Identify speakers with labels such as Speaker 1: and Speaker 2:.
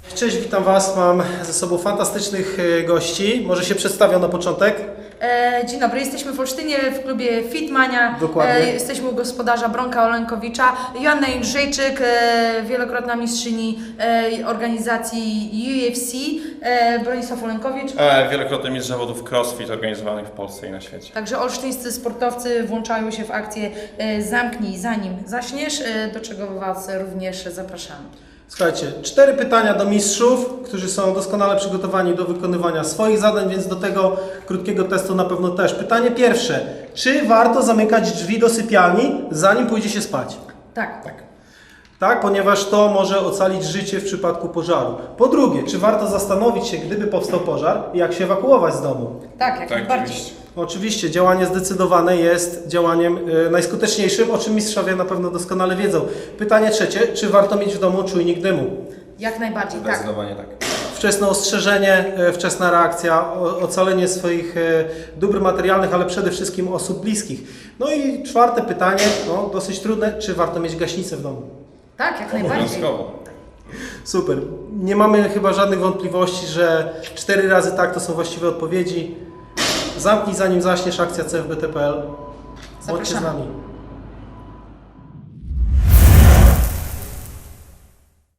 Speaker 1: Cześć, witam Was. Mam ze sobą fantastycznych gości. Może się przedstawią na początek?
Speaker 2: Dzień dobry, jesteśmy w Olsztynie w klubie Fitmania.
Speaker 1: Dokładnie.
Speaker 2: Jesteśmy u gospodarza Bronka Olenkowicza. Joanna Jędrzejczyk, wielokrotna mistrzyni organizacji UFC. Bronisław Olenkowicz.
Speaker 3: Wielokrotny mistrz zawodów crossfit organizowanych w Polsce i na świecie.
Speaker 2: Także olsztyńscy sportowcy włączają się w akcję Zamknij zanim zaśniesz, do czego Was również zapraszamy.
Speaker 1: Słuchajcie, 4 pytania do mistrzów, którzy są doskonale przygotowani do wykonywania swoich zadań, więc do tego krótkiego testu na pewno też. Pytanie pierwsze. Czy warto zamykać drzwi do sypialni, zanim pójdzie się spać?
Speaker 2: Tak.
Speaker 1: Tak, ponieważ to może ocalić życie w przypadku pożaru. Po drugie, czy warto zastanowić się, gdyby powstał pożar, jak się ewakuować z domu?
Speaker 2: Tak, jak
Speaker 3: Tak,
Speaker 2: najbardziej.
Speaker 3: oczywiście.
Speaker 1: Oczywiście, działanie zdecydowane jest działaniem najskuteczniejszym, o czym mistrzowie na pewno doskonale wiedzą. Pytanie trzecie, czy warto mieć w domu czujnik dymu?
Speaker 2: Jak najbardziej, tak.
Speaker 3: Zdecydowanie tak.
Speaker 1: Wczesne ostrzeżenie, wczesna reakcja, ocalenie swoich dóbr materialnych, ale przede wszystkim osób bliskich. No i czwarte pytanie, no, dosyć trudne, czy warto mieć gaśnicę w domu?
Speaker 2: Tak, jak najbardziej.
Speaker 3: Obowiązkowo.
Speaker 1: Super. Nie mamy chyba żadnych wątpliwości, że 4 razy tak to są właściwe odpowiedzi. Zamknij zanim zaśniesz, akcja CFBT.pl. Bądźcie z
Speaker 2: Zapraszamy.
Speaker 1: nami.